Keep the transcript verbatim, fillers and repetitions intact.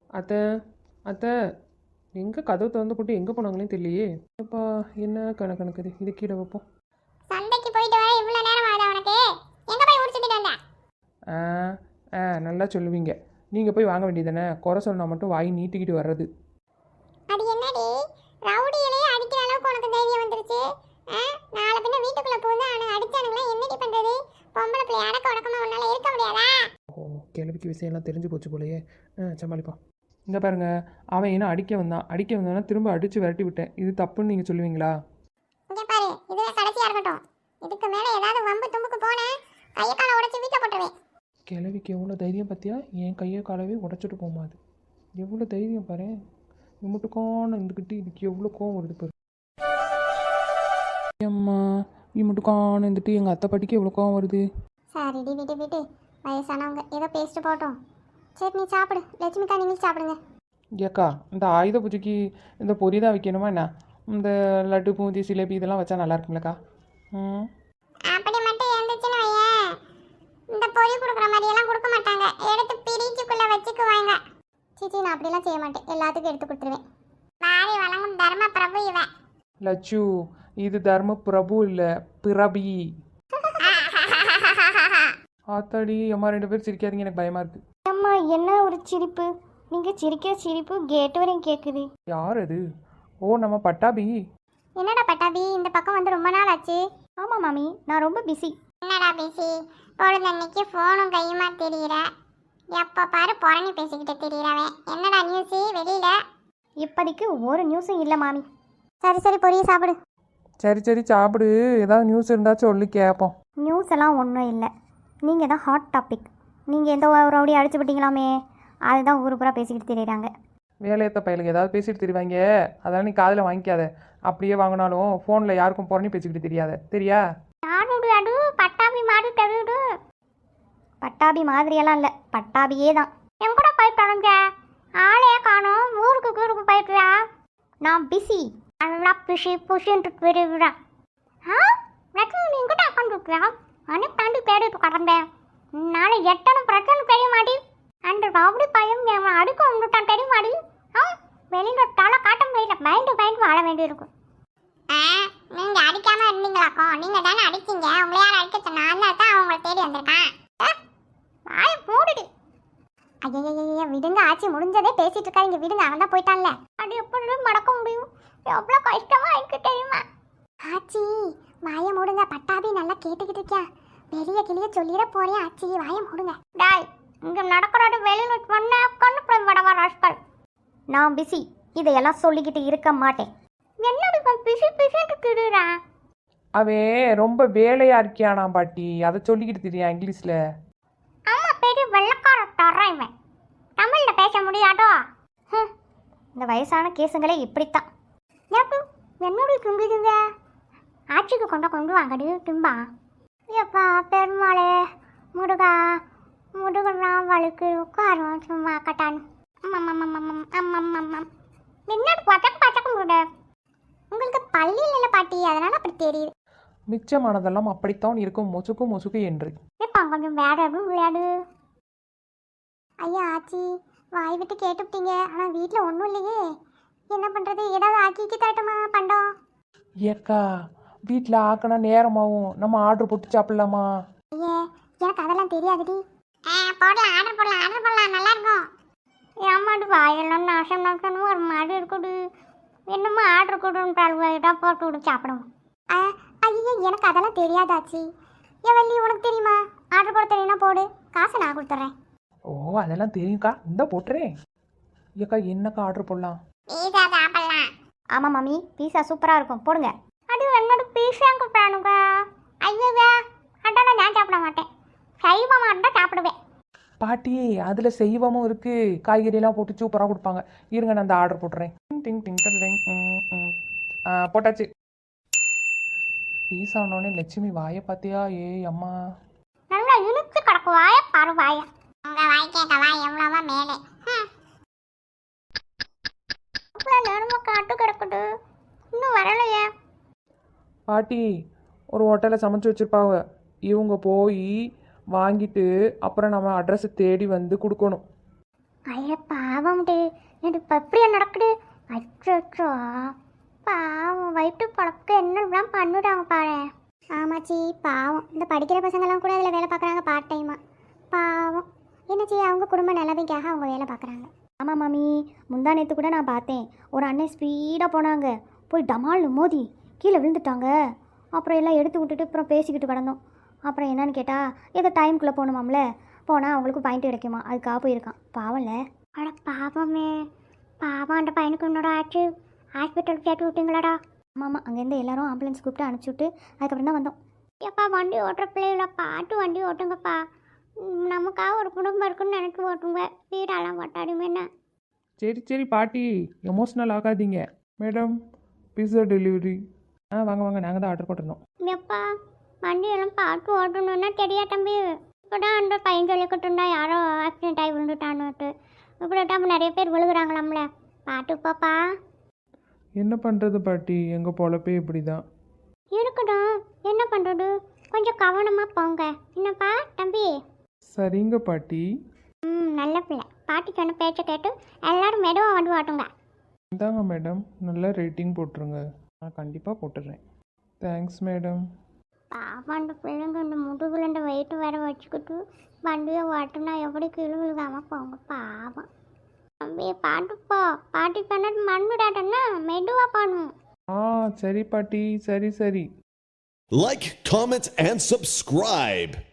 அத்தை அத்தை எங்கே கதவு திறந்து போட்டு எங்கே போனாங்களே தெரியலையே. அப்பா என்ன கணக்கணக்குது, இது கீழே வைப்போம். சண்டைக்கு போயிட்டு வர இவ்வளவு நேரம் ஆகுது உனக்கு? எங்க போய் முடிச்சிட்டு வந்த? ஆ ஆ நல்லா சொல்லுவீங்க. நீங்கள் போய் வாங்க வேண்டியதானே, குறை சொன்னா மட்டும் வாய் நீட்டிக்கிட்டு வர்றது. அது என்னடி ரவுடியிலே அடிக்கிற அளவுக்கு உனக்கு தைரியம் வந்துருச்சு? நாளை பின்ன வீட்டுக்குள்ள போந்து அவனுக்கு அடிச்சானுங்களா என்னடி பண்றது? பொம்பளை பிள்ளை அடக்க உடக்கமா உன்னால இருக்க முடியாதா? ஓ கிழவிக்கு விஷயம்லாம் தெரிஞ்சு போச்சு போலையே. ஆ சமாளிப்பான். இங்கே பாருங்க, அவன் என்ன அடிக்க வந்தான், அடிக்க வந்தானா திரும்ப அடித்து விரட்டி விட்டேன். இது தப்புன்னு நீங்கள் சொல்லுவீங்களா? இங்க பாரு, இதுவே கடைசியா இருக்கட்டும். இதுக்கு மேல ஏதாவது வம்பு தும்புக்கு போனேன் கையை காலை உடைச்சு வீட்டை போட்டுருவேன். கிழவிக்கு எவ்வளோ தைரியம் பார்த்தியா? என் கையை காலவே உடச்சிட்டு போமா. அது எவ்வளோ தைரியம் பாரு. இம்முட்டுக்கான இருந்துக்கிட்டு இதுக்கு எவ்வளோ கோவம் வருது பாரு. அம்மா இம்முட்டுக்கான இருந்துட்டு எங்கள் அத்தை பாட்டிக்கு எவ்வளோ கோவம் வருது. சரிடி விட்டு விட்டு, வயசானவங்க ஏதோ பேசிட்டு போட்டோம். சரி நீ சாப்பிடு, லட்சுமிக்கா நீங்களும் சாப்பிடுங்க. ஏக்கா இந்த ஆயுத பூஜைக்கு இந்த பொரி தான் வைக்கணுமா என்ன? இந்த லட்டு பூந்தி சிலேபி இதெல்லாம் வச்சா நல்லா இருக்கும்லக்கா? ம் அப்படி மட்டும் இருந்துச்சுன்னு வையேன், இந்த பொரி கொடுக்குற மாதிரியெல்லாம் கொடுக்க மாட்டாங்க, எடுத்து பிரிச்சுக்குள்ள வச்சுக்குவாங்க. சிச்சி நான் அப்படிலாம் செய்ய மாட்டேன், எல்லாத்துக்கும் எடுத்து கொடுத்துருவேன். வாரி வழங்கும் தர்ம பிரபு இவன். லட்சு இது தர்ம பிரபு இல்லை, பிரபி. ஆத்தாடி அம்மா ரெண்டு பேரும் சிரிக்காதீங்க, எனக்கு பயமா இருக்கு. அம்மா என்ன ஒரு சிரிப்பு, நீங்க சிரிக்கிற சிரிப்பு கேட்டு வரையும் கேட்குது. யார் அது? ஓ நம்ம பட்டாபி. என்னடா பட்டாபி இந்த பக்கம் வந்து ரொம்ப நாள் ஆச்சு? ஆமா மாமி நான் ரொம்ப பிஸி. என்னடா பிஸி? பொழுதன்னைக்கு ஃபோனும் கையுமா தெரியுற, எப்போ பாரு புறணி பேசிக்கிட்டு தெரியுறவன். என்னடா நியூஸு வெளியில? இப்போதைக்கு ஒரு நியூஸும் இல்லை மாமி. சரி சரி பொரிய சாப்பிடு. சரி சரி சாப்பிடு, ஏதாவது நியூஸ் இருந்தால் சொல்லி கேட்போம். நியூஸ் எல்லாம் ஒன்றும் இல்லை, நீங்கள் தான் ஹாட் டாபிக். நீங்கள் எந்த ரவுடி அடிச்சு விட்டீங்களாமே, அதுதான் ஊரு பூரா பேசிக்கிட்டு தெரியுறாங்க. வேலையத்த பயிலுக்கு ஏதாவது பேசிட்டு தெரிவாங்க, அதெல்லாம் நீ காதில் வாங்கிக்காத. அப்படியே வாங்கினாலும் ஃபோனில் யாருக்கும் புறணி பேசிக்கிட்டு தெரியாத, தெரியா? அடு பட்டாபி மாதிரி தெரியுது. பட்டாபி மாதிரியெல்லாம் இல்லை, பட்டாபியே தான். என் கூட போய் தொடங்க ஆளையே காணும், ஊருக்கு ஊருக்கு போயிட்டுறா. நான் பிஸி, நல்லா பிஸி புஷின்ட்டு தெரியுறா. ஆ பிரச்சனை நீ கிட்ட உட்காந்துருக்கியா? அனுப்பி தாண்டி தேடிட்டு கடந்தேன். நாளை எட்டனும் பிரச்சனை தெரிய மாட்டி. அந்த ரவுடி பையன் அவன் அடுக்க வந்துட்டான் தெரிய மாட்டி. ஆ வெளியில தலை காட்ட முடியல, பயந்து பயந்து வாழ வேண்டியிருக்கும். நீங்க அடிக்காம இருந்தீங்களாக்கோ? நீங்க தானே அடிச்சீங்க, உங்களை யார் அடிக்க சொன்னா? அதனால தான் அவங்களை தேடி வந்திருக்கான். வாய மூடுடி. ஐயா விடுங்க ஆச்சி, முடிஞ்சதே பேசிட்டு இருக்காங்க, விடுங்க. அவன் தான் போயிட்டான்ல, அது எப்படி மடக்க முடியும்? எவ்வளோ கஷ்டமா இருக்கு தெரியுமா? ஆச்சி வாய மூடுங்க, பட்டாபி நல்லா கேட்டுக்கிட்டு இருக்கியா? வெளிய கிளிய சொல்லிட போறேன் ஆச்சி, வாய மூடுங்க. டாய் இங்க நடக்கிறது வெளியில பண்ண கண்ணு போய் வடவா ராஸ்கல். நான் பிஸி, இதையெல்லாம் சொல்லிக்கிட்டு இருக்க மாட்டேன். என்னடி பிஸி பிஸிட்டு திடுறா? அவன் ரொம்ப வேலையா இருக்கியானா பாட்டி, அதை சொல்லிக்கிட்டு தெரியா இங்கிலீஷ்ல? ஆமா பெரிய வெள்ளக்கார தர்றேன் இவன், தமிழ்ல பேச முடியாதோ? இந்த வயசான கேசுங்களே இப்படித்தான். என்னோட தும்பிடுங்க, ஆட்சிக்கு கொண்ட கொண்டு வாங்கடி தும்பா. எப்பா பெருமாளே முருகா, முருகனா வழுக்கு உட்காரும் சும்மா கட்டான். என்னோட பச்சக்க பச்சக்க முருட. உங்களுக்கு பள்ளியில் இல்லை பாட்டி, அதனால அப்படி தெரியுது. மிச்சமானதெல்லாம் அப்படித்தான் இருக்கும், மொசுக்கு மொசுக்கு என்று. இப்போ கொஞ்சம் வேற எதுவும் விளையாடு. ஐயா ஆச்சி வாய் விட்டு கேட்டுவிட்டீங்க, ஆனால் வீட்டில் ஒன்றும் இல்லையே, என்ன பண்ணுறது? ஏதாவது ஆக்கிக்கு தரட்டுமா பண்டம்? ஏக்கா வீட்டில் ஆக்கினா நேரமாகும், நம்ம ஆர்டர் போட்டு சாப்பிடலாமா? ஐயே எனக்கு அதெல்லாம் தெரியாதுடி. போடலாம், ஆர்டர் போடலாம், ஆர்டர் போடலாம், நல்லா இருக்கும். ஏமாடு வாயெல்லாம் நாசம் நாசனும் ஒரு மாதிரி இருக்குது. என்னமோ ஆர்டர் கொடுன்னு போட்டு விடு சாப்பிடுவோம். ஐயோ எனக்கு அதெல்லாம் தெரியாதாச்சு. ஏன் வள்ளி உனக்கு தெரியுமா? ஆர்டர் போட தெரியும்னா போடு, காசை நான் கொடுத்துட்றேன். ஓ அதெல்லாம் தெரியும்க்கா, இந்த போட்டுறேன். ஏக்கா என்னக்கா ஆர்டர் போடலாம்? பீஸா சாப்பிடலாம். ஆமாம் மாமி பீஸா சூப்பராக இருக்கும், போடுங்க. அது என்னோட பீஸாங்க வேணுங்க. ஐயோவா அதான் நான் சாப்பிட மாட்டேன், சைவமாக இருந்தால் சாப்பிடுவேன். பாட்டி அதில் செய்வமும் இருக்குது, காய்கறியெல்லாம் போட்டு சூப்பராக கொடுப்பாங்க. இருங்க நான் அந்த ஆர்டர் போட்டுறேன். டிங் டிங் டிங் ம் ம் ஆ போட்டாச்சு. பீஸா ஆனோடனே லட்சுமி வாயை பார்த்தியா? ஏ அம்மா நல்லா இழுத்து கிடக்கு வாய பாரு வாய. உங்க வாய் கேட்க வாய் எவ்வளவா மேலே. இவ்வளோ நேரமாக காட்டு கிடக்குது, இன்னும் வரலையே. பாட்டி ஒரு ஹோட்டலில் சமைச்சு வச்சுருப்பாங்க, இவங்க போய் வாங்கிட்டு அப்புறம் நம்ம அட்ரஸை தேடி வந்து கொடுக்கணும். ஐயா பாவம்டி இது இப்போ எப்படியா நடக்குது அச்சோ பாவம் வயிற்று பழக்க என்னெல்லாம் பண்ணிடுறாங்க பாரு. ஆமாச்சி பாவம் இந்த படிக்கிற பசங்கள்லாம் கூட அதில் வேலை பார்க்குறாங்க பார்ட் டைமாக. பாவம் என்னச்சி அவங்க குடும்ப நிலவைக்காக அவங்க வேலை பார்க்குறாங்க. ஆமாம் மாமி, முந்தா நேற்று கூட நான் பார்த்தேன் ஒரு அண்ணன் ஸ்பீடாக போனாங்க, போய் டமால்னு மோதி கீழே விழுந்துட்டாங்க. அப்புறம் எல்லாம் எடுத்து விட்டுட்டு அப்புறம் பேசிக்கிட்டு கிடந்தோம். அப்புறம் என்னன்னு கேட்டால் ஏதோ டைமுக்குள்ளே போகணுமாம்ல, போனால் அவங்களுக்கு பாயிண்ட் கிடைக்குமா, அதுக்காக போயிருக்கான். பாவம்ல. அட பாவமே, பாவம் அந்த பையனுக்கு என்னோட ஆச்சு, ஹாஸ்பிட்டல் சேர்த்து விட்டீங்களாடா? ஆமாம், அங்கேருந்து எல்லாரும் ஆம்புலன்ஸ் கூப்பிட்டு அனுப்பிச்சி விட்டு அதுக்கப்புறம் தான் வந்தோம். எப்பா வண்டி ஓட்டுற பிள்ளைகள பாட்டு வண்டி ஓட்டுங்கப்பா, நமக்காக ஒரு குடும்பம் இருக்குன்னு நினைச்சு ஓட்டுங்க, வீடெல்லாம் ஓட்டாடுங்க என்ன. சரி சரி பாட்டி, எமோஷ்னல் ஆகாதீங்க. Madam pizza delivery. ஆ வாங்க வாங்க, நாங்கள் தான் ஆர்டர் போட்டிருந்தோம். எப்பா வண்டியெல்லாம் பார்த்து ஓட்டணுன்னா தெரியா தம்பி, இப்போ தான் அந்த பையன் சொல்லிக்கிட்டுருந்தா யாரோ ஆக்சிடென்ட் ஆகி விழுந்துட்டான்னுட்டு. இப்படி தான் நிறைய பேர் விழுகுறாங்களாம்ல, பார்த்து பாப்பா. என்ன பண்ணுறது பாட்டி, எங்கள் பொழப்பே இப்படி தான் இருக்கட்டும், என்ன பண்ணுறது, கொஞ்சம் கவனமாக போங்க என்னப்பா தம்பி. சரிங்க பாட்டி. ம் நல்ல பிள்ளை, பாட்டி சொன்ன பேச்சை கேட்டு எல்லாரும் மெதுவாக வண்டி ஓட்டுங்க. இந்தாங்க மேடம், நல்ல ரேட்டிங் போட்டுருங்க. நான் கண்டிப்பாக போட்டுடுறேன். Thanks madam. பாப்பா அந்த பிள்ளைங்க இந்த முதுகுல இந்த வெயிட்டு வேற வச்சுக்கிட்டு வண்டியை ஓட்டுனா எப்படி கீழே விழுகாம போங்க பாவம். தம்பி பாட்டுப்போ, பாட்டி பண்ணது மண்ணுடாட்டன்னா மெதுவாக பண்ணும். ஆ சரி பாட்டி, சரி சரி. Like, comment, and subscribe.